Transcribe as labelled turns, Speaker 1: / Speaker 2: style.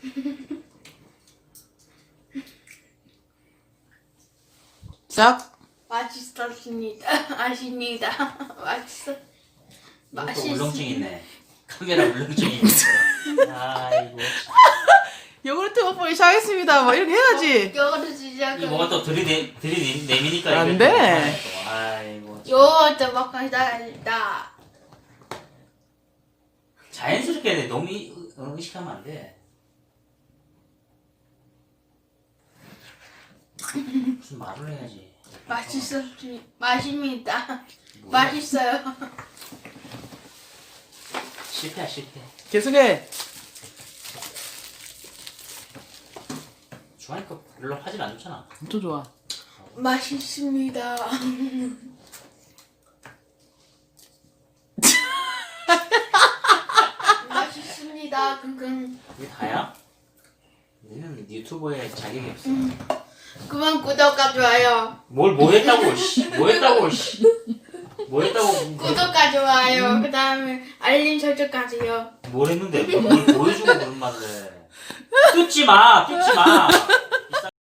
Speaker 1: 짝.
Speaker 2: 맛있었습니다. 아십니다. 맛있어.
Speaker 3: 이것도 울렁증이네. 카메라 울렁증이 있네. 아이고.
Speaker 1: 요구르트 먹보기 시작하겠습니다. 뭐 이렇게 해야지.
Speaker 2: 요거트 시작을.
Speaker 3: 이 뭐가 또 들이내미니까
Speaker 1: 안
Speaker 3: 이게
Speaker 1: 돼.
Speaker 3: 또 그만해 또. 아이고.
Speaker 2: 요거트 먹고 시작합니다.
Speaker 3: 자연스럽게 해야 돼. 너무 의식하면 안 돼. 무슨 말을 해야지.
Speaker 2: 맛있었습니다. 맛입니다.
Speaker 3: 뭐야?
Speaker 2: 맛있어요.
Speaker 3: 실패야 실패.
Speaker 1: 계속해.
Speaker 3: 좋아하니까 별로 화질 안 좋잖아.
Speaker 1: 또 좋아.
Speaker 2: 맛있습니다. 맛있습니다. 끙끙.
Speaker 3: 이게 다야? 너는 유튜버에 자격이 없어.
Speaker 2: 그만 구독과 좋아요.
Speaker 3: 뭐 했다고 씨. 뭐 했다고 씨. 뭐 했다고.
Speaker 2: 구독과 좋아요. 그 다음에 알림 설정까지요.
Speaker 3: 뭘 했는데 뭘 보여주고 그런 말을 해. 뜯지 마.